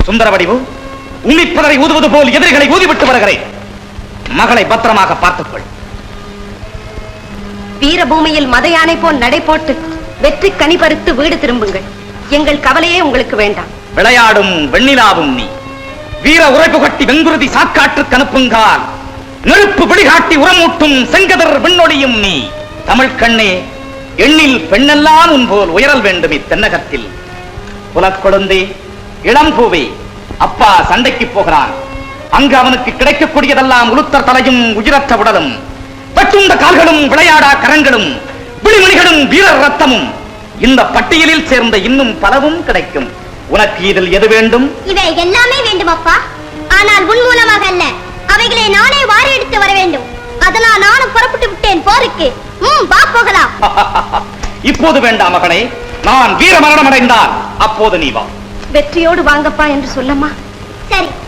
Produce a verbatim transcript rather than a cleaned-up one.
சுந்தர வடிவு உன்னிப்பதரை ஊதுவது போல் எதிரிகளை ஊதிவிட்டு வருகிறேன். மகளை பத்திரமாக பார்த்துக்கொள். வீரபூமியில் மத யானை போல் நடை போட்டு வெற்றி கனி பறித்து வீடு திரும்புங்கள். எங்கள் கவலையே உங்களுக்கு வேண்டாம். விளையாடும் வெண்ணிலாவும் நீ, வீர உரைப்பு கட்டி வெங்குருதி சாக்காற்றுக்கு அனுப்புங்கால், நெருப்பு விழிகாட்டி உரமூட்டும் செங்கதர் விண்ணொழியும் நீ. தமிழ் கண்ணே, எண்ணில் பெண்ணெல்லாம் உன் போல் உயரல் வேண்டும் இத்தென்னகத்தில். புலக்கொழுந்தே, இளம்பூவே, அப்பா சண்டைக்கு போகிறான். அங்கு அவனுக்கு கிடைக்கக்கூடியதெல்லாம் உளுத்தர் தலையும் உயிரற்ற உடலும், பட்டுண்ட கால்களும் விளையாடா கரங்களும் விழிமணிகளும் வீரர் ரத்தமும். இந்த பட்டியலில் சேர்ந்த இன்னும் பலவும் கிடைக்கும். உனக்கு இதில் எது வேண்டும்? இவை எல்லாமே வேண்டும் அப்பா. ஆனால் உன் மூலமாக அல்ல, அவைகளை நானே வாரி எடுத்து வர வேண்டும். அதனால் நானும் புறப்பட்டு விட்டேன் போருக்கு. ம், வா போகலாம். இப்போது வேண்டாம் மகனே, நான் வீர மரணம் அடைந்தால் அப்போது நீ வா. வெற்றியோடு வாங்கப்பா என்று சொல்லம்மா. சரி.